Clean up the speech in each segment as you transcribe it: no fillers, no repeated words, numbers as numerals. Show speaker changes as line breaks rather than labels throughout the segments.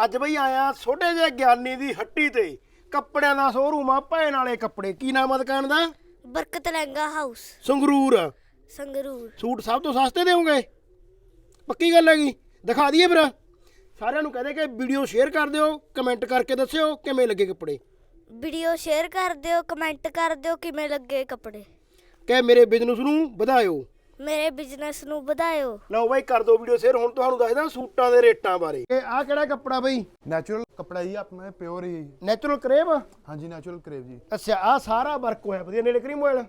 ਅੱਜ ਬਈ ਆਇਆ ਛੋਟੇ ਜਿਹੇ ਗਿਆਨੀ ਦੀ ਹੱਟੀ ਤੇ ਕੱਪੜਿਆਂ ਦਾ ਸ਼ੋਰੂਮ ਆ ਭੈਣ ਵਾਲੇ ਕੱਪੜੇ। ਕੀ ਨਾਮ ਆ ਦੁਕਾਨ ਦਾ?
ਬਰਕਤ ਲਹਿੰਗਾ ਹਾਊਸ
ਸੰਗਰੂਰ।
ਸੰਗਰੂਰ।
ਸੂਟ ਸਭ ਤੋਂ ਸਸਤੇ ਦੇਵੋਗੇ? ਪੱਕੀ ਗੱਲ ਹੈਗੀ। ਦਿਖਾ ਦਈਏ ਫਿਰ ਸਾਰਿਆਂ ਨੂੰ। ਕਹਦੇ ਕਿ ਵੀਡੀਓ ਸ਼ੇਅਰ ਕਰ ਦਿਓ, ਕਮੈਂਟ ਕਰਕੇ ਦੱਸਿਓ ਕਿਵੇਂ ਲੱਗੇ ਕੱਪੜੇ।
ਵੀਡੀਓ ਸ਼ੇਅਰ ਕਰ ਦਿਓ, ਕਮੈਂਟ ਕਰ ਦਿਓ ਕਿਵੇਂ ਲੱਗੇ ਕੱਪੜੇ।
ਕਿ ਮੇਰੇ ਬਿਜ਼ਨਸ ਨੂੰ ਵਧਾਇਓ,
ਮੇਰੇ ਬਿਜ਼ਨਸ ਨੂੰ ਵਧਾਇਓ।
ਲਓ ਬਾਈ ਕਰ ਦਿਓ ਵੀਡੀਓ ਸ਼ੇਅਰ। ਹੁਣ ਤੁਹਾਨੂੰ ਦੱਸਦਾ ਸੂਟਾਂ ਦੇ ਰੇਟਾਂ ਬਾਰੇ। ਇਹ ਆਹ ਕਿਹੜਾ ਕੱਪੜਾ ਬਈ?
ਨੈਚੁਰਲ ਕਪੜਾ ਜੀ ਆਪਣੇ ਪਿਓਰ ਹੀ।
Natural crepe?
ਹਾਂਜੀ ਨੈਚੁਰਲ ਕਰੇਵ ਜੀ।
ਅੱਛਾ, ਆਹ ਸਾਰਾ ਵਰਕ ਹੋਇਆ ਵਧੀਆ। ਨੇੜੇ ਕਰੀ ਮੋਬਾਈਲ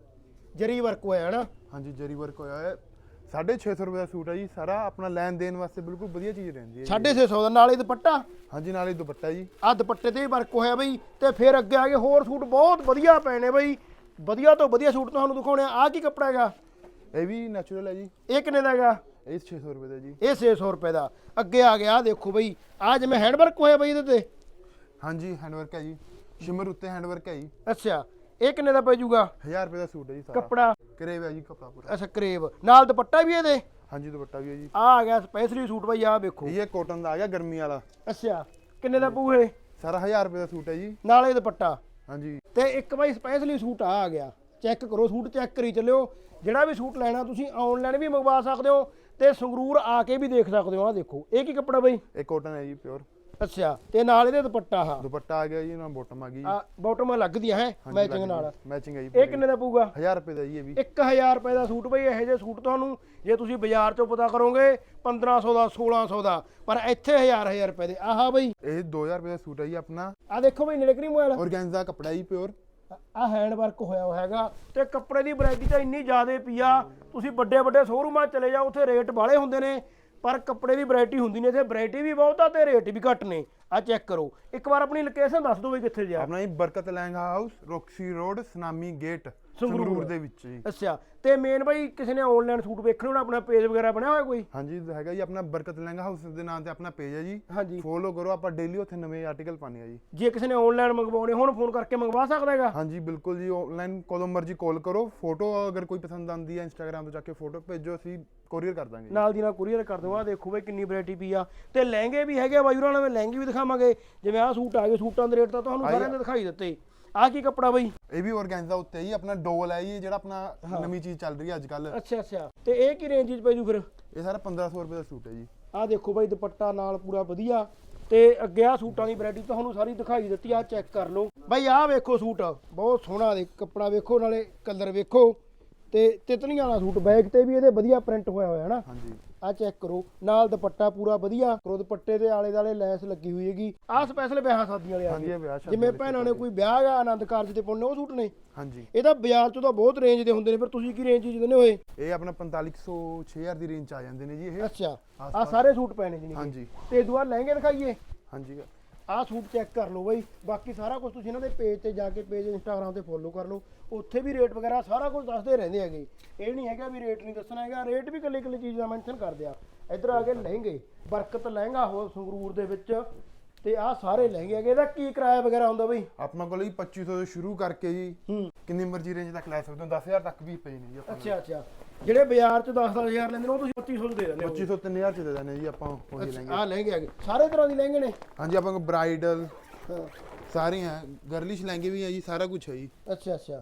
ਜਰੀ ਵਰਕ ਹੋਇਆ ਹੈ ਨਾ?
ਹਾਂਜੀ ਜਰੀ ਵਰਕ ਹੋਇਆ ਹੈ। 650 ਰੁਪਏ ਦਾ ਸੂਟ ਹੈ ਜੀ। ਸਾਰਾ ਆਪਣਾ ਲੈਣ ਦੇਣ ਵਾਸਤੇ ਬਿਲਕੁਲ ਵਧੀਆ ਚੀਜ਼ ਰਹਿੰਦੀ ਹੈ।
650 ਦਾ। ਨਾਲੇ ਦੁਪੱਟਾ?
ਹਾਂਜੀ ਨਾਲੇ ਦੁਪੱਟਾ ਜੀ।
ਆਹ ਦੁਪੱਟੇ ਤੇ ਵੀ ਵਰਕ ਹੋਇਆ ਬਈ। ਤੇ ਫਿਰ ਅੱਗੇ ਆ ਕੇ ਹੋਰ ਸੂਟ ਬਹੁਤ ਵਧੀਆ ਪਏ ਨੇ ਬਈ। ਵਧੀਆ ਤੋਂ ਵਧੀਆ ਸੂਟ ਤੁਹਾਨੂੰ ਦਿਖਾਉਣੇ ਆ। ਆਹ ਕੀ ਕੱਪੜਾ ਹੈਗਾ?
ਇਹ ਵੀ ਨੈਚੁਰਲ ਹੈ ਜੀ।
ਇਹ ਕਿੰਨੇ ਦਾ ਹੈਗਾ?
ਇਹ 600 ਰੁਪਏ ਦਾ ਜੀ।
ਇਹ 600 ਰੁਪਏ ਦਾ। ਅੱਗੇ ਆ ਗਿਆ ਦੇਖੋ ਬਈ, ਆਹ ਜਿਵੇਂ ਹੈਂਡ ਵਰਕ ਹੋਇਆ ਬਈ ਇਹਦੇ ਤੇ।
ਹਾਂਜੀ ਹੈਂਡ ਵਰਕ ਹੈ ਜੀ। ਸ਼ਿਮਰ ਉੱਤੇ ਹੈਂਡ ਵਰਕ ਹੈ ਜੀ।
ਅੱਛਾ, ਇਹ ਕਿੰਨੇ ਦਾ ਪੈ ਜਾਊਗਾ?
1000 ਰੁਪਏ ਦਾ ਸੂਟ ਹੈ ਜੀ ਸਾਰਾ।
ਕੱਪੜਾ
ਕਰੇਵ ਹੈ ਜੀ ਕੱਪੜਾ ਪੂਰਾ।
ਅੱਛਾ ਕਰੇਬ ਨਾਲ ਦੁਪੱਟਾ ਵੀ ਇਹਦੇ?
ਹਾਂਜੀ ਦੁਪੱਟਾ ਵੀ ਹੈ ਜੀ।
ਆਹ ਆ ਗਿਆ ਸਪੈਸ਼ਲੀ ਸੂਟ ਬਈ। ਆਹ ਵੇਖੋ
ਇਹ ਕਾਟਨ ਦਾ ਆ ਗਿਆ ਗਰਮੀ ਵਾਲਾ।
ਅੱਛਾ, ਕਿੰਨੇ ਦਾ ਪਊ ਇਹ?
ਸਾਰਾ 1000 ਰੁਪਏ ਦਾ ਸੂਟ ਹੈ ਜੀ।
ਨਾਲੇ ਦੁਪੱਟਾ।
ਹਾਂਜੀ
ਤੇ ਇੱਕ ਬਾਈ ਸਪੈਸ਼ਲੀ ਸੂਟ ਆ ਗਿਆ। ਚੈੱਕ ਕਰੋ, ਸੂਟ ਚੈੱਕ ਕਰੀ ਚੱਲਿਓ। ਜਿਹੜਾ ਵੀ ਸੂਟ ਲੈਣਾ ਤੁਸੀਂ ਆਨਲਾਈਨ ਵੀ ਮੰਗਵਾ ਸਕਦੇ ਹੋ ਤੇ ਸੰਗਰੂਰ ਆ ਕੇ ਵੀ ਦੇਖ ਸਕਦੇ ਹੋ। ਆਹ ਦੇਖੋ ਇਹ ਕੀ ਕੱਪੜਾ ਬਈ?
ਇਹ ਕਾਟਨ ਹੈ ਜੀ ਪਿਓਰ।
ਅੱਛਾ, ਤੇ ਨਾਲ ਇਹਦੇ ਦੁਪੱਟਾ। ਹਾਂ
ਦੁਪੱਟਾ ਆ ਗਿਆ ਜੀ ਨਾਲ ਬੋਟਮ ਆ ਗਈ।
ਆ ਬਾਟਮ ਲੱਗਦੀ ਹੈ ਮੈਚਿੰਗ ਨਾਲ।
ਮੈਚਿੰਗ ਹੈ ਜੀ।
ਇਹ ਕਿੰਨੇ ਦਾ ਪਊਗਾ?
1000 ਰੁਪਏ ਦਾ ਜੀ ਇਹ ਵੀ।
1000 ਰੁਪਏ ਦਾ ਸੂਟ ਬਈ। ਇਹੋ ਜਿਹੇ ਸੂਟ ਤੁਹਾਨੂੰ ਜੇ ਤੁਸੀਂ ਬਾਜ਼ਾਰ ਚੋਂ ਪਤਾ ਕਰੋਗੇ 1500 ਦਾ 1600 ਦਾ, ਪਰ ਇੱਥੇ 1000 ਰੁਪਏ ਦੇ। ਆਹ ਬਈ
ਇਹ 2000 ਰੁਪਏ ਦਾ ਸੂਟ ਹੈ ਜੀ ਆਪਣਾ।
ਆਹ ਦੇਖੋ ਬਈ ਨੇੜੇ ਕਰੀ ਮੋਬਾਈਲ।
ਔਰਗੈਂਜ਼ਾ ਕੱਪੜਾ ਜੀ ਪਿਓਰ।
ਆਹ ਹੈਂਡ ਵਰਕ ਹੋਇਆ ਹੋਇਆ ਹੈਗਾ। ਤੇ ਕੱਪੜੇ ਦੀ ਵੈਰਾਈਟੀ ਤਾਂ ਇੰਨੀ ਜ਼ਿਆਦਾ ਪਈ ਆ। ਤੁਸੀਂ ਵੱਡੇ ਵੱਡੇ ਸ਼ੋਰੂਮਾਂ ਚਲੇ ਜਾਓ, ਉੱਥੇ ਰੇਟ ਬਾਹਲੇ ਹੁੰਦੇ ਨੇ, ਪਰ ਕੱਪੜੇ ਦੀ ਵੈਰਾਈਟੀ ਹੁੰਦੀ ਨਹੀਂ। ਇੱਥੇ ਵੈਰਾਈਟੀ ਵੀ ਬਹੁਤ ਆ ਤੇ ਰੇਟ ਵੀ ਘੱਟ ਨੇ। ਆਹ ਚੈੱਕ ਕਰੋ ਇੱਕ ਵਾਰ। ਆਪਣੀ ਲੋਕੇਸ਼ਨ ਦੱਸ ਦਿਓ ਬਈ ਕਿੱਥੇ ਜਾ?
ਆਪਣਾ ਜੀ Barkat Lehenga house, Roxy road, Sunami gate, Sangrur ਦੇ ਵਿੱਚ ਜੀ।
ਅੱਛਾ, ਤੇ ਮੇਨ ਬਈ ਕਿਸੇ ਨੇ ਆਨਲਾਈਨ ਸੂਟ ਵੇਖਣੇ ਹੋਣ, ਆਪਣਾ ਪੇਜ ਵਗੈਰਾ ਬਣਿਆ ਹੋਇਆ ਕੋਈ?
ਹਾਂਜੀ ਹੈਗਾ ਜੀ ਆਪਣਾ ਬਰਕਤ ਲਹਿੰਗਾ ਹਾਊਸ ਦੇ ਨਾਂ ਤੇ ਆਪਣਾ ਪੇਜ ਹੈ ਜੀ।
ਹਾਂਜੀ,
ਫੋਲੋ ਕਰੋ। ਆਪਾਂ ਡੇਲੀ ਉੱਥੇ ਨਵੇਂ ਆਰਟੀਕਲ ਪਾਉਂਦੇ ਆ ਜੀ।
ਜੇ ਕਿਸੇ ਨੇ ਆਨਲਾਈਨ ਮੰਗਵਾਉਣੇ ਹੋਣ ਫੋਨ ਕਰਕੇ ਮੰਗਵਾ ਸਕਦਾ ਹੈਗਾ?
ਹਾਂਜੀ ਬਿਲਕੁਲ ਜੀ। ਆਨਲਾਈਨ ਕਦੋਂ ਮਰਜ਼ੀ ਕਾਲ ਕਰੋ। ਫੋਟੋ ਅਗਰ ਕੋਈ ਪਸੰਦ ਆਉਂਦੀ ਹੈ ਇੰਸਟਾਗ੍ਰਾਮ ਤੋਂ ਜਾ ਕੇ ਫੋਟੋ ਭੇਜੋ, ਅਸੀਂ ਕੋਰੀਅਰ ਕਰ ਦਾਂਗੇ।
ਨਾਲ ਦੀ ਨਾਲ ਕੁਰੀਅਰ ਕਰ ਦਿਓ। ਆਹ ਦੇਖੋ ਬਈ ਕਿੰਨੀ ਵੈਰਾਈਟੀ ਪਈ ਆ। ਤੇ ਲਹਿੰਗੇ ਵੀ ਹੈਗੇ ਬਾਈ ਹੋਰਾਂ ਨਾਲ। ਲਹਿੰਗੇ ਵੀ ਦਿਖਾਵਾਂਗੇ। ਜਿਵੇਂ ਆਹ ਸੂਟ ਆ ਗਏ, ਸੂਟਾਂ ਦੇ ਰੇਟ ਤਾਂ ਤੁਹਾਨੂੰ ਸਾਰਿਆਂ ਦੇ ਦਿਖਾਈ ਦਿੱਤੇ। ਆਹ ਕੀ ਕੱਪੜਾ ਬਈ?
ਇਹ ਵੀ ਔਰਗੈਂਜ਼ਾ ਉੱਤੇ ਹੀ ਆਪਣਾ ਡੋਲ ਹੈ ਜੀ, ਜਿਹੜਾ ਆਪਣਾ ਨਵੀਂ ਚੀਜ਼ ਚੱਲ ਰਹੀ ਹੈ ਅੱਜ ਕੱਲ।
ਅੱਛਾ ਅੱਛਾ, ਤੇ ਇਹ ਕੀ ਰੇਂਜ ਵਿੱਚ ਪੈ ਜੂ ਫਿਰ?
ਇਹ ਸਾਰਾ 1500 ਰੁਪਏ ਦਾ ਸੂਟ ਹੈ ਜੀ।
ਆਹ ਦੇਖੋ ਬਾਈ ਦੁਪੱਟਾ ਨਾਲ ਪੂਰਾ ਵਧੀਆ। ਤੇ ਅੱਗੇ ਆ ਸੂਟਾਂ ਦੀ ਵੈਰਾਈਟੀ ਤੁਹਾਨੂੰ ਸਾਰੀ ਦਿਖਾਈ ਦਿੱਤੀ। ਆਹ ਚੈੱਕ ਕਰ ਲਓ ਬਾਈ। ਆਹ ਵੇਖੋ ਸੂਟ ਬਹੁਤ ਸੋਹਣਾ। ਦੇ ਕੱਪੜਾ ਵੇਖੋ, ਨਾਲੇ ਕਲਰ ਵੇਖੋ। ਤੇ ਤਿਤਲੀਆਂ ਵਾਲਾ ਸੂਟ, ਬੈਕ ਤੇ ਵੀ ਇਹਦੇ ਵਧੀਆ ਪ੍ਰਿੰਟ ਹੋਇਆ ਹੋਇਆ ਨਾ।
ਹਾਂਜੀ
ਆਹ ਚੈੱਕ ਕਰੋ, ਨਾਲ ਦੁਪੱਟਾ ਪੂਰਾ ਵਧੀਆ। ਕਰੋ ਦੁਪੱਟੇ ਦੇ ਆਲੇ ਦਾਲੇ ਲੈਸ ਲੱਗੀ ਹੋਈ ਹੈਗੀ। ਆਹ ਸਪੈਸ਼ਲ ਵਿਆਹ ਸ਼ਾਦੀਆਂ ਵਾਲੇ ਆ
ਹਾਂਜੀ
ਗਏ।
ਇਹ ਵਿਆਹ ਸ਼ਾਦੀ
ਜਿਵੇਂ
ਵਾਲੇ
ਭੈਣਾਂ ਨੇ ਕੋਈ ਵਿਆਹ ਆ, ਆਨੰਦ ਕਾਰਜ ਤੇ ਪਾਉਣੇ, ਉਹ ਸੂਟ ਨੇ।
ਹਾਂਜੀ
ਇਹ ਤਾਂ ਬਾਜ਼ਾਰ ਚੋਂ ਤਾਂ ਬਹੁਤ ਰੇਂਜ ਦੇ ਹੁੰਦੇ ਨੇ, ਫਿਰ ਤੁਸੀਂ ਕੀ ਰੇਂਜ ਚ ਦਿੰਦੇ ਹੋਏ?
ਇਹ ਆਪਣਾ 4500 6000 ਦੀ ਰੇਂਜ ਚ ਆ ਜਾਂਦੇ ਨੇ ਜੀ ਇਹ।
ਅੱਛਾ, ਆਹ ਸਾਰੇ ਸੂਟ ਪਏ ਨੇ ਜੀ।
ਹਾਂਜੀ
ਤੇ ਦੁਆ ਲਹਿੰਗੇ ਦਿਖਾਈਏ।
ਹਾਂਜੀ
ਆਹ ਸੂਟ ਚੈੱਕ ਕਰ ਲਓ ਬਾਈ। ਬਾਕੀ ਸਾਰਾ ਕੁਝ ਤੁਸੀਂ ਇਹਨਾਂ ਦੇ ਪੇਜ ਤੇ ਜਾ ਕੇ, ਪੇਜ ਇੰਸਟਾਗ੍ਰਾਮ ਤੇ ਫੋਲੋ ਕਰ ਲਓ। ਉੱਥੇ ਵੀ ਰੇਟ ਵਗੈਰਾ ਸਾਰਾ ਕੁਝ ਦੱਸਦੇ ਰਹਿੰਦੇ ਹੈਗੇ। ਇਹ ਨਹੀਂ ਹੈਗਾ ਵੀ ਰੇਟ ਨਹੀਂ ਦੱਸਣਾ ਹੈਗਾ। ਰੇਟ ਵੀ ਇਕੱਲੀ ਇਕੱਲੀ ਚੀਜ਼ ਦਾ ਮੈਂਸ਼ਨ ਕਰਦੇ ਆ। ਇੱਧਰ ਆ ਕੇ ਲਹਿੰਗੇ, ਬਰਕਤ ਲਹਿੰਗਾ ਹੋ ਸੰਗਰੂਰ ਦੇ ਵਿੱਚ। ਤੇ ਆਹ ਸਾਰੇ ਲਹਿੰਗੇ ਹੈਗੇ। ਇਹਦਾ ਕੀ ਕਿਰਾਇਆ ਵਗੈਰਾ ਹੁੰਦਾ ਬਈ?
ਆਪਣਾ ਕੋਲ ਜੀ 2500 ਤੋਂ ਸ਼ੁਰੂ ਕਰਕੇ ਜੀ ਕਿੰਨੀ ਮਰਜ਼ੀ ਰੇਂਜ ਤੱਕ ਲੈ ਸਕਦੇ ਹੋ। 10000 ਤੱਕ ਵੀ ਪਏ ਨੇ ਜੀ ਆਪਾਂ।
ਅੱਛਾ ਅੱਛਾ, ਜਿਹੜੇ ਬਾਜ਼ਾਰ ਚ 10-10000 ਲੈਂਦੇ ਨੇ ਉਹ ਤੁਸੀਂ 2500 ਦੇ ਦਿੰਦੇ ਹੋ?
2500 3000 ਚ ਦੇ ਦਿੰਦੇ ਜੀ ਆਪਾਂ ਉਹੀ ਲਹਿੰਗੇ।
ਆਹ ਲਹਿੰਗੇ ਹੈਗੇ ਸਾਰੇ ਤਰ੍ਹਾਂ ਦੇ ਲਹਿੰਗੇ ਨੇ?
ਹਾਂਜੀ ਆਪਾਂ ਕੋਲ ਬ੍ਰਾਈਡਲ
ਹਾਂ,
ਸਾਰੇ ਹੈ, ਗਰਲਿਸ਼ ਲਹਿੰਗੇ ਵੀ ਹੈ ਜੀ, ਸਾਰਾ ਕੁਝ ਹੈ ਜੀ।
ਅੱਛਾ ਅੱਛਾ।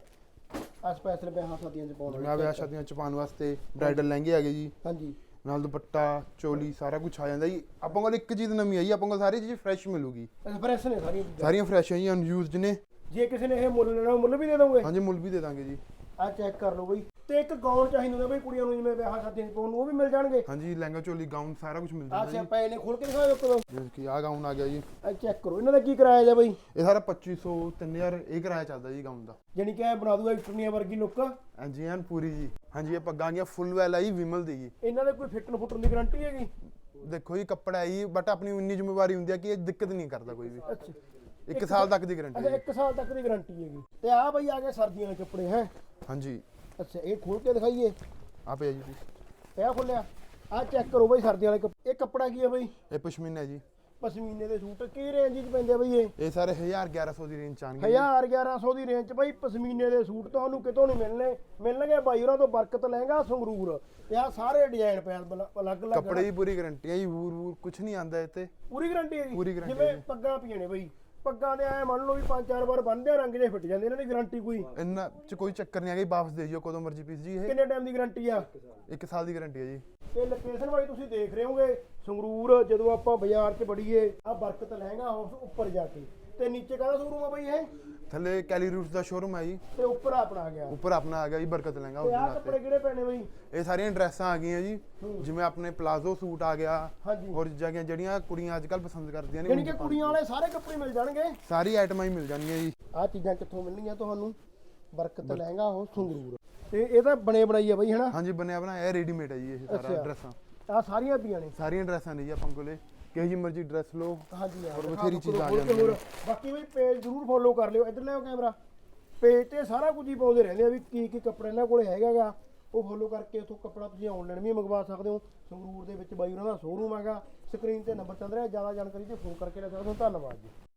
ਆਹ ਸਪੈਸ਼ਲ ਵਿਆਹਾਂ ਸ਼ਾਦੀਆਂ ਚ ਪਾਉਣ
ਜਿਵੇਂ ਵਿਆਹ ਸ਼ਾਦੀਆਂ ਚ ਪਾਉਣ ਵਾਸਤੇ ਬ੍ਰਾਈਡਲ ਲਹਿੰਗੇ ਹੈਗੇ ਜੀ।
ਹਾਂਜੀ,
ਨਾਲ ਦੁਪੱਟਾ, ਚੋਲੀ, ਸਾਰਾ ਕੁਝ ਆ ਜਾਂਦਾ ਜੀ। ਆਪਾਂ ਕੋਲ ਇੱਕ ਚੀਜ਼ ਨਵੀਂ ਹੈ ਜੀ। ਆਪਾਂ ਕੋਲ ਸਾਰੀ ਚੀਜ਼ ਫਰੈਸ਼ ਮਿਲੂਗੀ।
ਫਰੈਸ਼ ਨੇ ਸਾਰੀਆਂ ਚੀਜ਼ਾਂ?
ਸਾਰੀਆਂ ਫਰੈਸ਼ ਹੈ ਜੀ, ਅਨਯੂਜ਼ਡ ਨੇ।
ਜੇ ਕਿਸੇ ਨੇ ਇਹ ਮੁੱਲ ਲੈਣਾ, ਮੁੱਲ ਵੀ ਦੇ ਦੋਗੇ?
ਹਾਂਜੀ ਮੁੱਲ ਵੀ ਦੇ ਦਾਂਗੇ ਜੀ।
ਆਹ ਚੈੱਕ ਕਰ ਲਓ ਬਈ। ਤੇ ਇੱਕ ਗਾਊਨ ਚਾਹੀਦਾ ਹੁੰਦਾ ਬਈ ਕੁੜੀਆਂ ਨੂੰ, ਜਿਵੇਂ ਵਿਆਹ ਸ਼ਾਦੀਆਂ 'ਚ ਪਾਉਣ ਨੂੰ, ਉਹ ਵੀ ਮਿਲ ਜਾਣਗੇ?
ਹਾਂਜੀ ਲਹਿੰਗਾ, ਚੋਲੀ, ਗਾਊਨ ਸਾਰਾ ਕੁਝ ਮਿਲ
ਆਹ
ਜਾਂਦਾ ਜੀ।
ਸਿਆਪਾ ਨੇ ਖੋਲ ਕੇ ਦਿਖਾਓ ਇੱਕ ਦੋ।
ਜਿਵੇਂ ਕਿ ਆਹ ਗਾਊਨ ਆ ਗਿਆ ਜੀ।
ਆਹ ਚੈੱਕ ਕਰੋ, ਇਹਨਾਂ ਦਾ ਕੀ ਕਿਰਾਇਆ ਜਾ ਬਈ?
ਇਹ ਸਾਰਾ 2500 3000 ਇਹ ਕਿਰਾਇਆ ਚੱਲਦਾ ਜੀ ਗਾਊਨ ਦਾ।
ਜਾਨੀ ਕਿ ਇਹ ਬਣਾ ਦੂਗਾ ਇਟਰਨੀਆ ਵਰਗੀ ਲੁੱਕ।
ਹਾਂਜੀ ਐਨ ਪੂਰੀ ਜੀ। ਹਾਂਜੀ ਇਹ ਪੱਗਾਂ ਗੀਆਂ ਫੁੱਲ ਵੈਲ ਆਈ ਵਿਮਲ ਦੀ ਜੀ।
ਇਹਨਾਂ ਦੇ ਕੋਈ ਫਿੱਟਣ ਦੀ ਗਾਰੰਟੀ ਹੈਗੀ?
ਦੇਖੋ ਜੀ ਕੱਪੜਾ ਹੈ ਜੀ, ਬਟ ਆਪਣੀ ਉਨੀ ਜ਼ਿੰਮੇਵਾਰੀ ਹੁੰਦੀ ਹੈ ਕਿ ਇਹ ਦਿੱਕਤ ਨਹੀਂ ਕਰਦਾ ਕੋਈ ਵੀ।
ਅੱਛਾ,
1 ਸਾਲ ਤੱਕ ਦੀ ਗਾਰੰਟੀ
ਅੱਛਾ
ਹੈ।
1 ਸਾਲ ਤੱਕ ਦੀ ਗਾਰੰਟੀ ਹੈਗੀ। ਤੇ ਆਹ ਬਈ ਆ ਗਏ ਸਰਦੀਆਂ ਦੇ ਕੱਪੜੇ ਹੈ।
ਹਾਂਜੀ
ਅੱਛਾ, ਇਹ ਖੋਲ ਕੇ ਦਿਖਾਈਏ।
ਆ ਪਿਆ ਜੀ।
ਇਹ ਖੋਲਿਆ। ਆਹ ਚੈੱਕ ਕਰੋ ਬਈ ਸਰਦੀਆਂ ਵਾਲੇ ਇਹ ਕੱਪੜਾ ਕੀ ਹੈ ਬਈ?
ਇਹ ਪਸ਼ਮੀਨਾ ਹੈ ਜੀ।
ਪਸ਼ਮੀਨੇ ਦੇ ਸੂਟ ਕੀ ਰੇਂਜ 'ਚ ਪੈਂਦੇ ਆ ਬਈ ਇਹ
ਸਾਰੇ 1000-1100 ਦੀ ਰੇਂਜ ਚ ਆਣਗੇ
1100 ਦੀ ਰੇਂਜ 'ਚ ਬਈ ਪਸ਼ਮੀਨੇ ਦੇ ਸੂਟ ਤੁਹਾਨੂੰ ਕਿਤੋਂ ਨਹੀਂ ਮਿਲਣਗੇ ਬਾਈ ਉਹਨਾਂ ਤੋਂ ਬਰਕਤ ਲਹਿੰਗਾ ਸੰਗਰੂਰ ਤੇ ਆ ਸਾਰੇ ਡਿਜ਼ਾਈਨ ਪਏ ਅਲੱਗ-ਅਲੱਗ
ਕੱਪੜੇ ਦੀ ਪੂਰੀ ਗਾਰੰਟੀ ਹੈ ਜੀ, ਵੂਰ ਕੁਝ ਨਹੀਂ ਆਂਦਾ ਇੱਥੇ,
ਪੂਰੀ ਗਾਰੰਟੀ ਹੈ ਜੀ
ਪੂਰੀ guarantee
ਜਿਵੇਂ
ਹੈ ਜੀ।
ਪੱਗਾਂ ਪਈਆਂ ਨੇ ਬਈ ਪੱਗਾਂ ਦੇ ਐ ਮੰਨ ਲਓ ਵੀ 5-4 ਵਾਰ ਬੰਨਦੇ ਆ ਰੰਗ ਜੇ ਫਿੱਟ ਜਾਂਦੇ ਇਹਨਾਂ ਦੀ ਗਾਰੰਟੀ ਕੋਈ
ਇੰਨਾ ਚ ਕੋਈ ਚੱਕਰ ਨਹੀਂ ਹੈਗਾ, ਵਾਪਸ ਦੇ ਜਿਓ ਕਦੋਂ ਮਰਜ਼ੀ ਪੀਸ ਜੀ। ਇਹ
ਕਿੰਨੇ ਟਾਈਮ ਦੀ ਗਾਰੰਟੀ ਆ
1 ਸਾਲ ਦੀ ਗਾਰੰਟੀ ਹੈ ਜੀ।
ਤੇ ਲੋਕੇਸ਼ਨ ਵਾਈ ਤੁਸੀਂ ਦੇਖ ਰਹੇ ਹੋਗੇ ਸੰਗਰੂਰ ਜਦੋਂ ਆਪਾਂ ਬਾਜ਼ਾਰ 'ਚ ਬੜੀਏ ਆ ਬਰਕਤ ਲਹਿੰਗਾ ਹਾਊਸ ਉੱਪਰ ਜਾ ਕੇ ਤੇ ਨੀਚੇ ਕਾਹਦਾ ਸ਼ੋਰੂਮ ਆ ਬਈ ਇਹ
ਥੱਲੇ ਕੈਲੀ ਰੂਟਸ ਦਾ ਸ਼ੋਰੂਮ ਹੈ ਜੀ,
ਤੇ ਉੱਪਰ ਆਪਣਾ ਆ ਗਿਆ
ਉੱਪਰ ਆਪਣਾ ਆ ਗਿਆ ਜੀ ਬਰਕਤ ਲਹਿੰਗਾ ਉਸ
ਤੇ
ਦੇ
ਆਹ
ਨਾਲ
ਕੱਪੜੇ ਕਿਹੜੇ ਪੈਣੇ ਬਈ
ਇਹ ਸਾਰੀਆਂ ਡਰੈਸਾਂ ਆ ਗਈਆਂ ਜੀ, ਜਿਵੇਂ ਆਪਣੇ ਪਲਾਜ਼ੋ ਸੂਟ ਆ ਗਿਆ,
ਹਾਂਜੀ
ਹੋਰ ਜਿਹੜੀਆਂ ਕੁੜੀਆਂ ਅੱਜ ਕੱਲ ਪਸੰਦ ਕਰਦੀਆਂ ਨੇ
ਯਾਨੀ ਕਿ ਕੁੜੀਆਂ ਵਾਲੇ ਸਾਰੇ ਕੱਪੜੇ ਮਿਲ ਜਾਣਗੇ
ਸਾਰੀ ਆਈਟਮਾਂ ਹੀ ਮਿਲ ਜਾਣਗੀਆਂ ਜੀ।
ਆਹ ਚੀਜ਼ਾਂ ਕਿੱਥੋਂ ਮਿਲਣਗੀਆਂ ਤੁਹਾਨੂੰ ਬਰਕਤ ਲਹਿੰਗਾ ਉਹ ਸੰਗਰੂਰ ਤੇ ਇਹ ਤਾਂ ਬਣੇ ਬਣਾਈ ਆ ਬਈ ਹਨਾ
ਹਾਂਜੀ ਬਣਿਆ ਬਣਾਇਆ ਰੈਡੀਮੇਡ ਹੈ ਜੀ ਇਹ ਸਾਰਾ
ਅੱਛਾ।
ਡਰੈਸਾਂ,
ਆਹ ਸਾਰੀਆਂ ਪਈਆਂ ਨੇ
ਸਾਰੀਆਂ ਡਰੈਸਾਂ ਨੇ ਜੀ ਆਪਾਂ ਕੋਲੇ, ਕਿਹੋ ਜੀ ਮਰਜ਼ੀ ਡਰੈਸ ਲਓ।
ਹਾਂਜੀ
ਹੋਰ
ਦਿਖਾ
ਬਥੇਰੀ
ਦਿਓ,
ਚੀਜ਼ਾਂ ਆ
ਖੋਲ ਕੇ
ਜਾਂਦੀਆਂ
ਹੋਰ। ਬਾਕੀ ਬਈ ਪੇਜ ਜ਼ਰੂਰ ਫੋਲੋ ਕਰ ਲਿਓ ਇੱਧਰ ਲਿਆਓ ਕੈਮਰਾ ਪੇਜ ਤੇ ਸਾਰਾ ਕੁਝ ਹੀ ਪਾਉਂਦੇ ਰਹਿੰਦੇ ਆ ਵੀ ਕੀ ਕੀ ਕੱਪੜਾ ਇਹਨਾਂ ਕੋਲੇ ਹੈਗਾਗਾ ਉਹ ਫੋਲੋ ਕਰਕੇ ਉੱਥੋਂ ਕੱਪੜਾ ਤੁਸੀਂ ਆਨਲਾਈਨ ਵੀ ਮੰਗਵਾ ਸਕਦੇ ਹੋ ਸੰਗਰੂਰ ਦੇ ਵਿੱਚ ਬਾਈ ਉਹਨਾਂ ਦਾ ਸ਼ੋਰੂਮ ਹੈਗਾ ਸਕਰੀਨ ਤੇ ਨੰਬਰ ਚੱਲ ਰਿਹਾ ਜ਼ਿਆਦਾ ਜਾਣਕਾਰੀ ਤੇ ਫੋਨ ਕਰਕੇ ਲੈ ਸਕਦੇ ਹੋ ਧੰਨਵਾਦ ਜੀ।